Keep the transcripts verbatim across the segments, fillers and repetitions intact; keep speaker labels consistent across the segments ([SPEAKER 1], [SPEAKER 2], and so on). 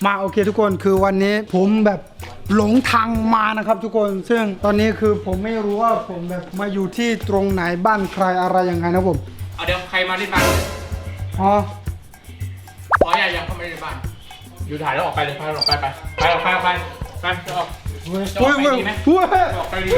[SPEAKER 1] มาโอเคทุกคนคือวันนี้ผมแบบหลงทางมานะครับทุกคนซึ่งตอนนี้คือผมไม่รู้ว่าผมแบบมาอยู่ที่ตรงไหนบ้านใครอะไรยังไงนะผม
[SPEAKER 2] เอาเดี๋ยวใครมาที่บ้าน
[SPEAKER 1] อ๋อ
[SPEAKER 2] ขออย่ายังเข้ามาในบ้านอยู่ถ่ายแล้วออกไปเลยพาออกไปไปไปออกไปออกไปไปจะออกจะออกไปดีไหมออกไปดี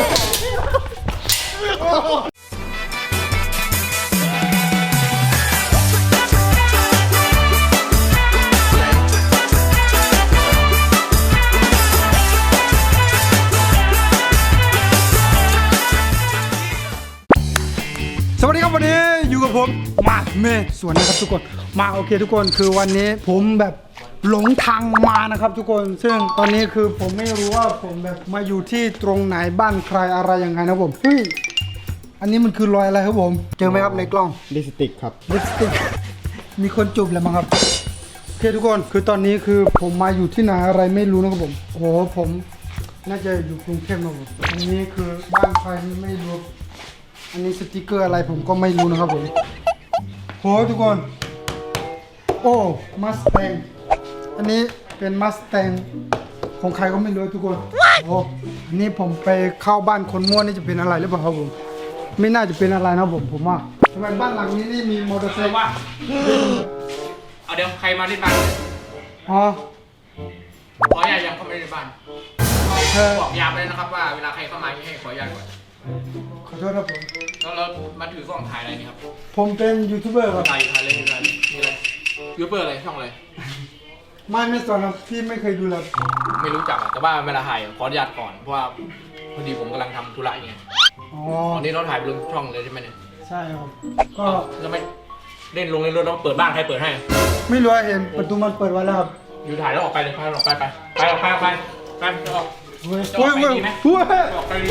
[SPEAKER 1] สวัสดีครับวันนี้อยู่กับผมมาเมสวนนะครับทุกคนมาโอเคทุกคนคือวันนี้ผมแบบหลงทางมานะครับทุกคนซึ่งตอนนี้คือผมไม่รู้ว่าผมแบบมาอยู่ที่ตรงไหนบ้านใครอะไรยังไงนะผมเฮ้ยอันนี้มันคือรอยอะไรครับผมเจอไหมครับในกล้อง
[SPEAKER 3] ลิปสติกครับ
[SPEAKER 1] ลิปสติกมีคนจูบแล้วมั้งครับโอเคทุกคนคือตอนนี้คือผมมาอยู่ที่ไหนอะไรไม่รู้นะครับผมโอ้โหผมน่าจะอยู่กรุงเทพนะผมอันนี้คือบ้านใครไม่รู้อันนี้สติกเกอร์อะไรผมก็ไม่รู้นะครับผมโหทุกคนโอ้มัสแตงอันนี้เป็นมัสแตงของใครก็ไม่รู้ทุกคนโอ้อันนี้ผมไปเข้าบ้านคนมั่วนี่จะเป็นอะไรหรือเปล่าครับผมไม่น่าจะเป็นอะไรนะผมผมว่าทำไมบ้านหลังนี้นี่มีมอเตอร์ไซค์
[SPEAKER 2] ว่าเอาเดี๋ยวใครมาที่บ้าน
[SPEAKER 1] อ๋อ
[SPEAKER 2] ขออย่ายังเข้ามาในบ้านบอกยามเลยนะครับว่าเวลาใครเข้ามาให้ขออย่าก่อน
[SPEAKER 1] ขอโทษครับผม
[SPEAKER 2] แล้วเรามาถือกล้องถ่ายอะไรนี่ครับ
[SPEAKER 1] ผมเป็นยูทูบเบอร์ครับ
[SPEAKER 2] ถ่ายถ่ายเลยถ่ายเลยนี่อะไรยูทูบเบอร์อะไรช่องอะไร
[SPEAKER 1] ไม่ไม่สอนครับพี่ไม่เคยดูเลย
[SPEAKER 2] ไม่รู้จักแต่ว่าเวลาถ่ายขออนุญาตก่อนเพราะว่าพอดีผมกำลังทำธุระอย่างเงี้ยอ๋อวันนี้เราถ่ายไปลงช่องเลยใช่ไหมเนี่ย
[SPEAKER 1] ใช่ครับก็
[SPEAKER 2] แล้วไม่เล่นลงในรถแล้วเปิดบ้านใครเปิดให้
[SPEAKER 1] ไม่รู้เห็นประตูมันเปิดไว้แล้วครับ
[SPEAKER 2] อยู่ถ่ายแล้วออกไปเลยพาออกไปไปไปออกไปออกไปไปจะออก
[SPEAKER 1] เฮ้ยเฮ้ยเฮ้ยเฮ้ย
[SPEAKER 2] ออกไปดี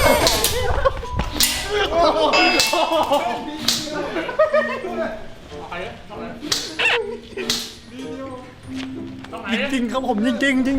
[SPEAKER 1] จริงๆครับผมจริงๆจริงจริง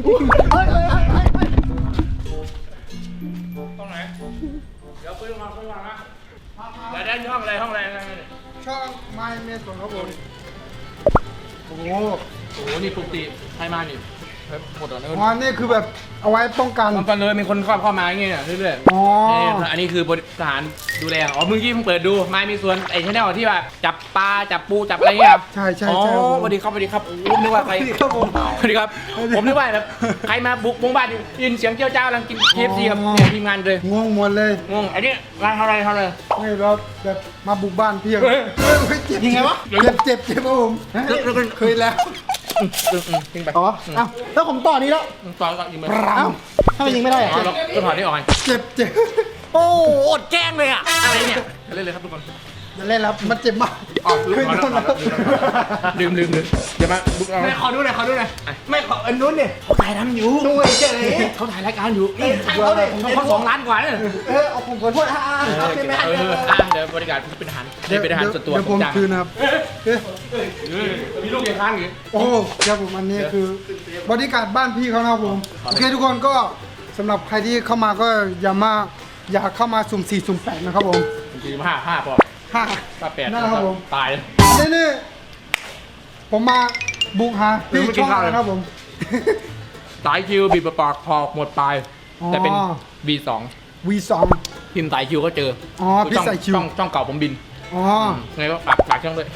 [SPEAKER 2] ตรงไหนเดี๋ยวคุยมาคุยมานะเดี๋ยวได้ช่องอะไรห้องอะไร
[SPEAKER 1] ช่องไมเมสของครับผมโอ้โห
[SPEAKER 2] โอ้โหนี่ปกติใครมานี่หมดแล้ว
[SPEAKER 1] อ๋อนี่คือแบบเอาไว้ป้องกัน
[SPEAKER 2] ป้องกันเลยมีคนเข้าเข้ามาอย่างเงี้ยเรื่อยๆอ๋ออันนี้คือบริการดูแลอ๋อมึงกี้เพิ่งเปิดดูไม่มีส่วนไอ้ชแนลที่แบบจับปลาจับปูจับอะไรเงี้ย
[SPEAKER 1] ใช่ใช่
[SPEAKER 2] อ๋อสวัสดีครับสวัสดีครับผมนึกว่าใคร
[SPEAKER 1] ครับผม
[SPEAKER 2] สวัสดีครับผมนึกว่าแบบใครมาบุกมุ้งบ้านยินเสียงเจ้าเจ้ากำลังกินเคฟซีกับทีมงานเลย
[SPEAKER 1] งงหมดเลย
[SPEAKER 2] งงอันนี้งานเท่าไรเท่าไร
[SPEAKER 1] ไม่เราแบบมาบุกบ้านพี่เฮ้ยเจ็บยังไงวะเจ็บเจ็บเจ็บครับผมเคยแล้ว
[SPEAKER 2] ยิงไป
[SPEAKER 3] อ๋ออ้าวแล้วผมต่อนี้แล้ว
[SPEAKER 2] ต่อก่อนยิงไป
[SPEAKER 3] อ้าวถ้ามันยิงไม่ได้อะ
[SPEAKER 2] ก็ถอดได้ออกไง
[SPEAKER 1] เจ็บเจ็บ
[SPEAKER 2] โอ้อดแกล้งเลยอะอะไรเนี่ยเล่นเลยครับทุกคน
[SPEAKER 1] อย่าเล่นแล้วมันเจ็บมาก
[SPEAKER 2] อ๋อลืมลืมลืมลืมเดี๋ยวมาบุกเอา
[SPEAKER 3] ไม่ขอดูหน่อยขอดูหน่อย
[SPEAKER 2] ไม่ขออันนู้นเนี่ยเขาถ่ายทำอยู่
[SPEAKER 3] ดูไอ้เจ๊เลย
[SPEAKER 2] เขาถ่ายรายการอยู่นี่เขาเลยเขาสองล้านกว่าเนี่ย
[SPEAKER 3] เออเอาผมขอโทษอ่าโอเคไม่ให้
[SPEAKER 2] เดี๋ยวบริการเป็นทหารเป็นทหารส่วนตัว
[SPEAKER 1] เดี๋ยวผมคืนครับ
[SPEAKER 2] มีลูกยังค้างอยู่
[SPEAKER 1] โอ้ครับผมอันนี้คือบริการบ้านพี่เขานะครับผมโอเคทุกคนก็สำหรับใครที่เข้ามาก็อย่ามาอย่าเข้ามาสุ่มสี่สุ่มแปดนะครับผม
[SPEAKER 2] สี่ห้าห้าพอ
[SPEAKER 1] ห้า
[SPEAKER 2] ห้าแปด
[SPEAKER 1] นะครับผม
[SPEAKER 2] ตาย
[SPEAKER 1] นี่นี่ผมมาบุกหาพี่ช่องนะครับผม
[SPEAKER 2] สายคิวบีบปากพอหมดปลายแต่เป็น วี สอง
[SPEAKER 1] วี สอง
[SPEAKER 2] พิมพ์สายคิวก็เจอ
[SPEAKER 1] อ๋อพี่สายคิว
[SPEAKER 2] ช่องช่องเก่าผมบิน
[SPEAKER 1] อ๋อ
[SPEAKER 2] ไงก็ฝากฝากช่องด้วย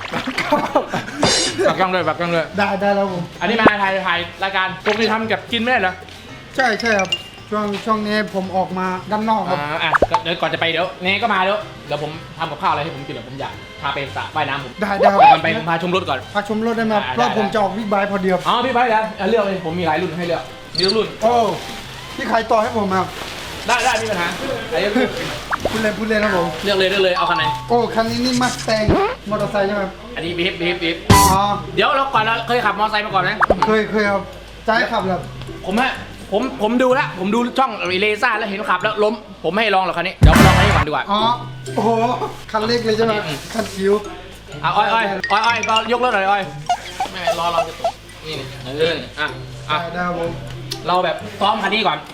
[SPEAKER 2] ฝากช่องด้วยฝากช่องด้วย
[SPEAKER 1] ได้ได้แล้วผม
[SPEAKER 2] อันนี้มาถ่ายถ่ายรายการปกติทำกับกินไม่ได้เหรอ
[SPEAKER 1] ใช่ใช่ครับช่วงช่วงนี้ผมออกมาด้านนอกครับ
[SPEAKER 2] อ่าเดี๋ยวก่อนจะไปเดี๋ยวเน่ก็มาแล้วเดี๋ยวผมทำกับข้าวอะไรให้ผมกินเดี๋ยวผมอยากพาไปสระว่ายน้ำผม
[SPEAKER 1] ได้ได้ครับ
[SPEAKER 2] ไปผมพาชมรถก่อน
[SPEAKER 1] พาชมรถได้ไหมเพราะผมจะออกบิ๊กไบค์พอดีครับ
[SPEAKER 2] อ๋อบิ๊กไบค์แล้วเลือกเลยผมมีหลายรุ่นให้เลือกมีรุ่น
[SPEAKER 1] โอ้พี่ใครต่อให้ผมครับ
[SPEAKER 2] ได้ได้มีปัญหาอะไรเลือก
[SPEAKER 1] พูดเล่นพูดเล่นครับผม
[SPEAKER 2] เลือกเลยเลือกเลยเอาคันไหน
[SPEAKER 1] โอ้คันนี้นี่มัสแตงมอเตอร์ไซค์ใช่ไหม
[SPEAKER 2] อันนี้บีฟบีฟบีฟ
[SPEAKER 1] อ๋อ
[SPEAKER 2] เดี๋ยวเราก่อนเราเคยขับมอเตอร์ไซค์มาก่อนไหม
[SPEAKER 1] เคยเคยครับใจขับแบบ
[SPEAKER 2] ผมฮะผมผมดูแล้วผมดูช่องอีเลซ่าแล้วเห็นขับแล้วล้มผมไม่ให้ลองหรอกคันนี้เดี๋ยวมาลองคันนี้ก่อนดีกว่า
[SPEAKER 1] อ๋อโอ้โหคันเล็กเลยใช่ไหมคันคิ้ว
[SPEAKER 2] อ่ะอ้อยอ้อยอ้อยอ้อยก็ยกรถหน่อยอ้อยไม่รอเราจะตกนี่นี่เอออ่ะอ่ะ
[SPEAKER 1] ได้ผม
[SPEAKER 2] เราแบบซ้อมคันนี้ก่อน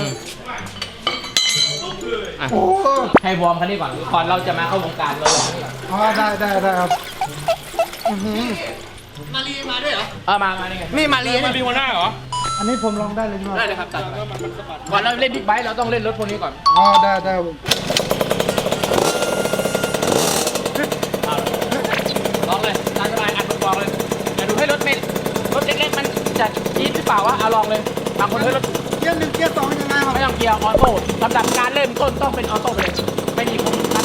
[SPEAKER 1] โอ้
[SPEAKER 2] ให้วอร์มคันนี้ก่อนก่อนเราจะมาเข้าวงการเราลองนี่ก่อน
[SPEAKER 1] อ๋อได้ได้ได้ครับโ
[SPEAKER 3] มารีมาด้วยเหรอ
[SPEAKER 2] เออมามานี่ไง
[SPEAKER 3] นี่มารี
[SPEAKER 2] มา
[SPEAKER 3] เนี่ย
[SPEAKER 2] รีวันหน้าเหรอ
[SPEAKER 1] อันนี้ผมลองได้เลยใช่ไหม
[SPEAKER 2] ได้เลยครับตัดก่อนเราเล่นบิ๊กไบค์เราต้องเล่นรถพวกนี้ก่อน
[SPEAKER 1] อ๋อได้ได้ผม
[SPEAKER 2] ลองเลยตามสบายอัดบอกเลยแต่ดูให้รถไม่รถเล็กๆมันจะจี๊ดหรือเปล่าวะเอาลองเลยบางคนเฮ้ยรถ
[SPEAKER 1] เกียร์หนึ่งเกียร์สองยังไงครับ
[SPEAKER 2] ไม่ต้องเกียร์ออโต้ลำดับการเริ่มต้นต้องเป็นออโต้ไปเลยไม่มีผมคัน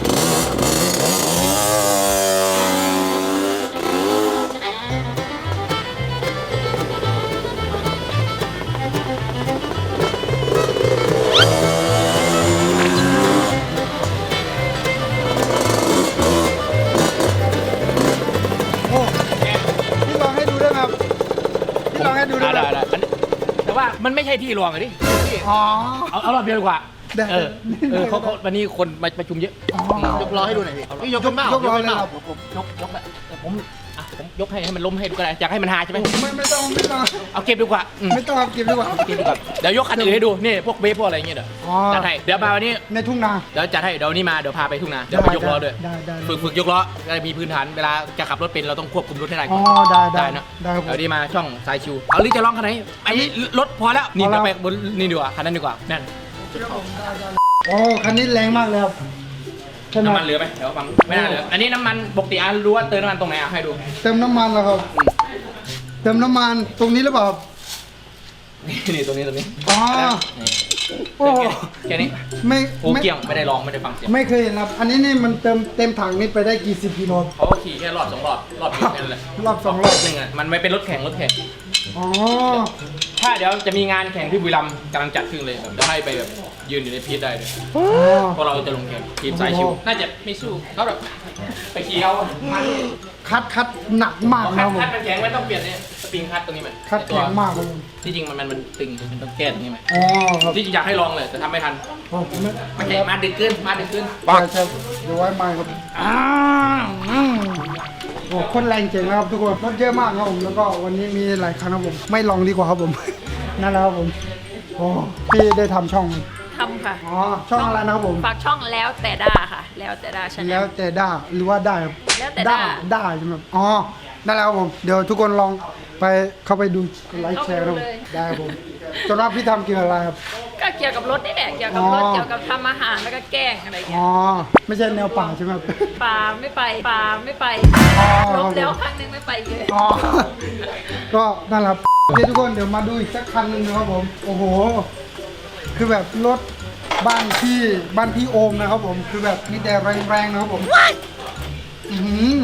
[SPEAKER 1] โอ้พี่ลองให้ดูได้ไหมครับพี่ลองให้ดูได้ไหม
[SPEAKER 2] ได้ได้อันนี้แต่ว่ามันไม่ใช่ที่รวมอะดิ
[SPEAKER 1] อ๋อ
[SPEAKER 2] เอาเอารอบเดียวดีกว่า
[SPEAKER 1] ได้
[SPEAKER 2] เออเออเขาเขาวันนี้คนมาประชุมเยอะ
[SPEAKER 1] อ๋อย
[SPEAKER 3] กล้อให้ดูหน่อยพี่พี่ยกขึ้นเปล่าย
[SPEAKER 1] กล้อเลยครับ
[SPEAKER 2] ผมผมยกยกแบบผมอ่ะผมยกให้ให้มันล้มให้ดูก็ได้อยากให้มันหาใช่ไหม
[SPEAKER 1] ไม่ไม่ต้องไม่ต้อง
[SPEAKER 2] เอาเก็บดีกว่าอืม
[SPEAKER 1] ไม่ต้องครับเก็บดีกว่า
[SPEAKER 2] เก็บดีกว่าเดี๋ยวยกคันอื่นให้ดูนี่พวกเวฟพวกอะไรอย่างเงี้ยเดี๋ยว
[SPEAKER 1] อ๋อ
[SPEAKER 2] จัดให้เดี๋ยวมาวันนี้
[SPEAKER 1] ในทุ่งนา
[SPEAKER 2] เดี๋ยวจัดให้เดี๋ยววันนี้มาเดี๋ยวพาไปทุ่งนาเดี๋ยวไปยกล้อด้วย
[SPEAKER 1] ได้ได้ได้
[SPEAKER 2] ฝึกฝึกยกล้อจะมีพื้นฐานเวลาจะขับรถเป็นเราต้องควบคุมรถให้ได้
[SPEAKER 1] อ๋
[SPEAKER 2] ก่
[SPEAKER 1] อ
[SPEAKER 2] อน
[SPEAKER 1] ได้ได้
[SPEAKER 2] นะ
[SPEAKER 1] ได้ครับผม
[SPEAKER 2] เดี๋ยวนี้มาช่องสายชิวเอาหรือจะร้องคันไหนอันนี้รถพอแล้วนี่
[SPEAKER 1] พอแล้
[SPEAKER 2] เรา
[SPEAKER 1] ว
[SPEAKER 2] ไปบนนี่ดีกว่าคันนั้นดีกว่านั่น
[SPEAKER 1] โอ้คันนี้แรงมากเลยครับใช่ไหม
[SPEAKER 2] น้ำมันเหลือไหมเดี๋ยวฟังไม่น่าเหลืออันนี้น้ำมันปกติอ่ะรู้ว่าเติมน้ำมันตรงไหนอ่ะให้ดู
[SPEAKER 1] เติมน้ำมันแล้วครับ เติมน้ำมันตรงนี้หรือเปล่าครับ
[SPEAKER 2] นี่นี่ตรงนี้ตรงนี้
[SPEAKER 1] อ๋อ
[SPEAKER 2] นี่
[SPEAKER 1] โอ้
[SPEAKER 2] แค่นี้
[SPEAKER 1] ไม่
[SPEAKER 2] โอ้
[SPEAKER 1] ไม่
[SPEAKER 2] เกี่ยงไม่ได้ลองไม่ได้ฟังเสียง
[SPEAKER 1] ไม่เคยเห็นครับ อันนี้นี่มันเติมเต็มถังนี่ไปได้กี่สิบกิโล
[SPEAKER 2] เขาก็ขี่แค่รอบสองรอบรอบเดียวแค่นั้นแหละ
[SPEAKER 1] รอบสองรอบ
[SPEAKER 2] หนึ่งอ่ะมันไม่เป็นรถแข่งรถแข่ง
[SPEAKER 1] อ๋อ
[SPEAKER 2] ถ้าเดี๋ยวจะมีงานแข่งที่บุรีรัมย์กำลังจัดขึ้นเลยแบบจะให้ไปแบบยืนอยู่ในพีทได้เลย
[SPEAKER 1] อ๋อ
[SPEAKER 2] เพราะเราจะลงแข่งทีมสายชิว
[SPEAKER 1] โอ้โห
[SPEAKER 2] น่าจะไม่สู้เขาแบบไปขี่เอามัน
[SPEAKER 1] คัดคัดหนักมาก
[SPEAKER 2] คั
[SPEAKER 1] นะ
[SPEAKER 2] ด
[SPEAKER 1] ผม
[SPEAKER 2] คัดมันแข็งไม่ต้องเปลี่ยนเนี่ยสปริงคัดตรงนี้ไหม
[SPEAKER 1] คัด
[SPEAKER 2] ตัว
[SPEAKER 1] แข็งมากครับผม
[SPEAKER 2] ที่จริงมันมันมันตึงมันต้องแก้ตรงนี้ไหม
[SPEAKER 1] อ๋อครับ
[SPEAKER 2] ที่จริงอยากให้ลองเลยแต่ทำไม่ทัน
[SPEAKER 1] อ๋อผมไม่
[SPEAKER 2] มันแข็งมาดึกขึ้นมาดึกขึ้น
[SPEAKER 1] ใช่ใช่เดี๋ยวไว้ไม้ครับอ้าวอืมโอ้คนแรงเจ๋งนะครับทุกคนรถเยอะมากครับผมแล้วก็วันนี้มีหลายคันครับผม ไม่ลองดีกว่าครับผม นั่นแหละครับผมโอ้พี่ได้ทำช่องไหม
[SPEAKER 4] ทำค่ะ
[SPEAKER 1] อ๋อช่องอะไรนะครับผม
[SPEAKER 4] ฝากช่องแล้วแต่ด้าค่ะ แล้วแต่ด้าชาแน
[SPEAKER 1] แล้
[SPEAKER 4] ล
[SPEAKER 1] วแต่ได้หรือว่าได้ครับ
[SPEAKER 4] แล้วแต่ได้
[SPEAKER 1] ได้ใช่ไหมครับอ๋อได้แล้วครับผมเดี๋ยวทุกคนลองไปเข้าไปดูไลค์แชร์ครับผมได้ครับผมจนว่าพี่ทำเกี่ยวกับอะไรครับ
[SPEAKER 4] ก็เกี่ยวกับรถนี่แหละ เกี่ยวกับรถ
[SPEAKER 1] อ๋อ
[SPEAKER 4] เกี่ยวกับทำอาหารแล้วก็แกล้งอะไร
[SPEAKER 1] อ๋
[SPEAKER 4] เงี้
[SPEAKER 1] อย ไม่ใช่แนวป่าใช่ไหมครับ
[SPEAKER 4] ปลาไม่ไปปลาไม่ไป
[SPEAKER 1] อ๋อ
[SPEAKER 4] ลบแล้วครั้งหนึงไม่ไปเลย
[SPEAKER 1] อ๋อก็นั่นแหละครับโอเคทุกคนเดี๋ยวมาดูอีกสักคันหนึ่งนะครับผมโอ้โห คือแบบรถบ้านพี่บ้านพี่โอมนะครับผมคือแบบมีแต่แรงๆนะครับผมอือหือ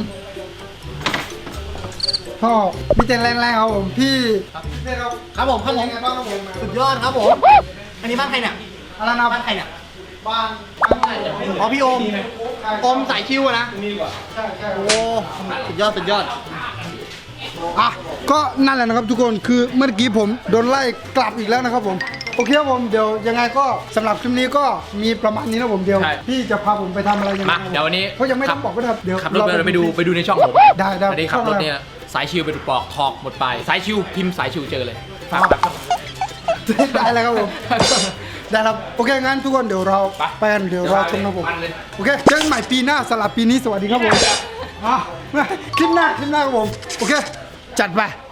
[SPEAKER 1] พ่อมีแต่แรงๆครับผมพี่พี่เต้ครับ
[SPEAKER 3] ครับผมครับผม
[SPEAKER 1] เป็นไงบ้างครับผม
[SPEAKER 3] สุดยอดครับผม อันนี้บ้านใครเนี่ย
[SPEAKER 1] อะไรนะ
[SPEAKER 3] บ้านใครเนี่ย
[SPEAKER 1] บ้านบ้านไหน
[SPEAKER 3] อ๋อพี่โอมโอมสายคิวอะนะ
[SPEAKER 1] ใช่ใช่
[SPEAKER 3] โอ้สุดยอดสุดยอด
[SPEAKER 1] อ่ะก็นั่นแหละนะครับทุกคนคือเมื่อกี้ผมโดนไล่กลับอีกแล้วนะครับผมโอเคครับผมเดี๋ยวยังไงก็สำหรับคลิปนี้ก็มีประมาณนี้นะผมเดี๋ยว
[SPEAKER 2] ใช่
[SPEAKER 1] พี่จะพาผมไปทำอะไรยังไง
[SPEAKER 2] มาเดี๋ยววันนี้
[SPEAKER 1] เขายังไม่ต้องบอกก็ได้ครับเดี๋ยว
[SPEAKER 2] ขับรถไปไปดูไปดูในช่องผม
[SPEAKER 1] ได้ได้
[SPEAKER 2] อันนี้ขับรถเนี่ยสายชิวไปดูปอกทอกหมดไปสายชิวพิมพ์สายชิวเจอเลยฝากฝากช่อง
[SPEAKER 1] ได้แล้วครับผม ได้ครับโอเคงั้นทุกคนเดี๋ยวเรา
[SPEAKER 2] ไป
[SPEAKER 1] ไปกันเดี๋ยวเราชมนะผม
[SPEAKER 2] มันเลย
[SPEAKER 1] โอเคเจอกันใหม่ปีหน้าสำหรับปีนี้สวัสดีครับผมอ่ะคลิปหน้าคลิปหน้าครับผมโอเค จัดไป